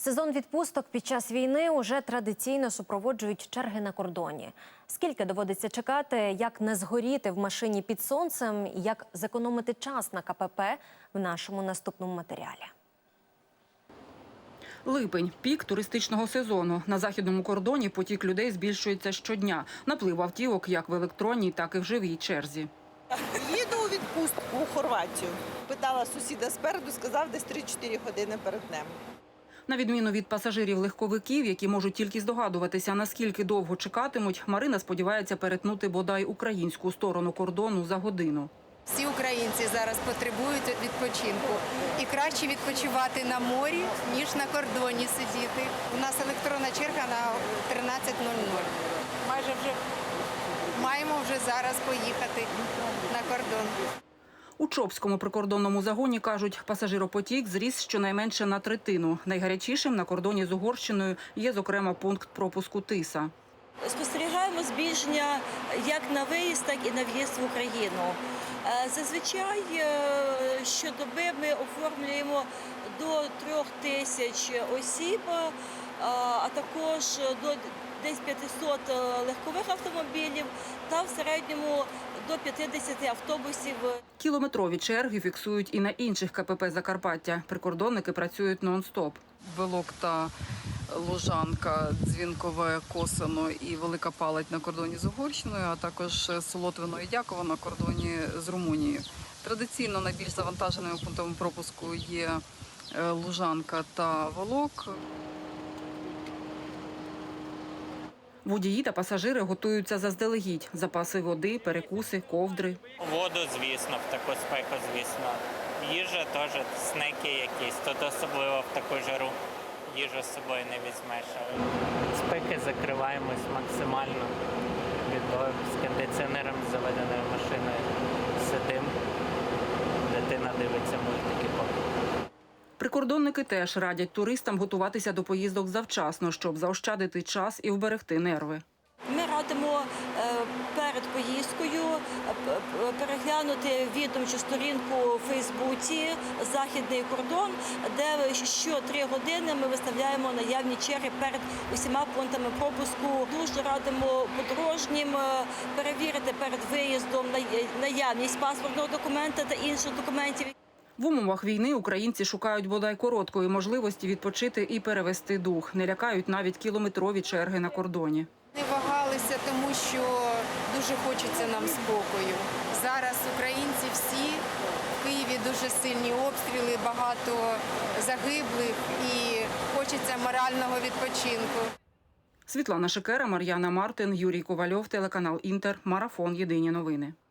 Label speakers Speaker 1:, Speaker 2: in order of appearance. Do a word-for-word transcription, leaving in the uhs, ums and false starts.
Speaker 1: Сезон відпусток під час війни уже традиційно супроводжують черги на кордоні. Скільки доводиться чекати, як не згоріти в машині під сонцем і як зекономити час на ка пе пе в нашому наступному матеріалі.
Speaker 2: Липень – пік туристичного сезону. На західному кордоні потік людей збільшується щодня. Наплив автівок як в електронній, так і в живій черзі.
Speaker 3: Їду у відпустку у Хорватію. Питала сусіда спереду, сказав, десь три-чотири години перед днем.
Speaker 2: На відміну від пасажирів-легковиків, які можуть тільки здогадуватися, наскільки довго чекатимуть, Марина сподівається перетнути бодай українську сторону кордону за годину.
Speaker 4: Всі українці зараз потребують відпочинку. І краще відпочивати на морі, ніж на кордоні сидіти. У нас електронна черга на тринадцять нуль нуль. Майже вже маємо вже зараз поїхати на кордон.
Speaker 2: У Чопському прикордонному загоні, кажуть, пасажиропотік зріс щонайменше на третину. Найгарячішим на кордоні з Угорщиною є, зокрема, пункт пропуску Тиса.
Speaker 5: Спостерігаємо збільшення як на виїзд, так і на в'їзд в Україну. Зазвичай щодоби ми оформлюємо до трьох тисяч осіб, а також до десь п'ятисот легкових автомобілів та в середньому до п'ятдесят автобусів.
Speaker 2: Кілометрові черги фіксують і на інших ка пе пе Закарпаття. Прикордонники працюють нон-стоп.
Speaker 6: Белокта, Лужанка, Дзвінкове, Косино і Велика Палать на кордоні з Угорщиною, а також Солотвино і Дяково на кордоні з Румунією. Традиційно найбільш завантаженими пунктами пропуску є Лужанка та Волок.
Speaker 2: Водії та пасажири готуються заздалегідь. Запаси води, перекуси, ковдри.
Speaker 7: Воду, звісно, в таку спеку, звісно. Їжа теж, снеки якісь, тут особливо в таку жару. Їжу з собою не візьмеш. Спеки закриваємось максимально. З кондиціонером заведеною машиною сидимо. Дитина дивиться мультики поки.
Speaker 2: Прикордонники теж радять туристам готуватися до поїздок завчасно, щоб заощадити час і вберегти нерви.
Speaker 5: Ми радимо перед поїздкою переглянути відомчу сторінку у Фейсбуці «Західний кордон», де щотри години ми виставляємо наявні черги перед усіма пунктами пропуску. Дуже радимо подорожнім перевірити перед виїздом наявність паспортного документа та інших документів.
Speaker 2: В умовах війни українці шукають бодай короткої можливості відпочити і перевести дух. Не лякають навіть кілометрові черги на кордоні.
Speaker 4: Не вагалися, тому що дуже хочеться нам спокою. Зараз українці всі, в Києві дуже сильні обстріли, багато загиблих і хочеться морального відпочинку.
Speaker 2: Світлана Шикера, Мар'яна Мартин, Юрій Ковальов, телеканал «Інтер», Марафон. Єдині новини.